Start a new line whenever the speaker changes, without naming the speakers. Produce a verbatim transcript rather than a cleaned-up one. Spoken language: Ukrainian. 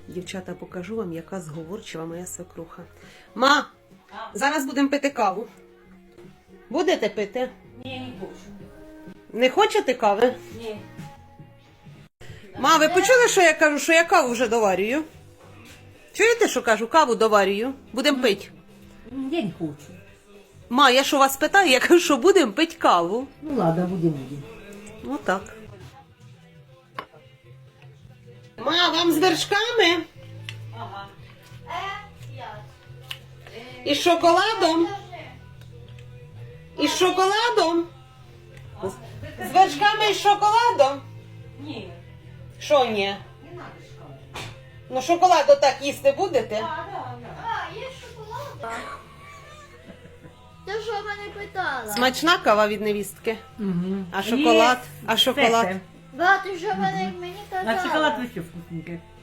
Дівчата, покажу вам, яка зговорчива моя свекруха. Ма, зараз будемо пити каву. Будете пити?
Ні, не хочу.
Не хочете кави?
Ні.
Ма, ви почули, що я кажу, що я каву вже доварюю? Чуєте, що кажу? Каву доварюю. Будемо пити.
Я не хочу.
Ма, я що вас питаю, я кажу, що будемо пити каву.
Ну ладно, будем, будем.
Ну так. Ма, вам з вершками?
Ага.
І з шоколадом? І з шоколадом? З вершками і з шоколадом?
Ні.
Що ні?
Не надо шкаф.
Ну шоколад отак їсти будете?
А, да, да.
А, є шоколад? Ти що мене питала?
Смачна кава від невістки.
Угу.
А шоколад? А шоколад?
Да, ти що мене мені
А
казала?
шоколад вообще вкусненький.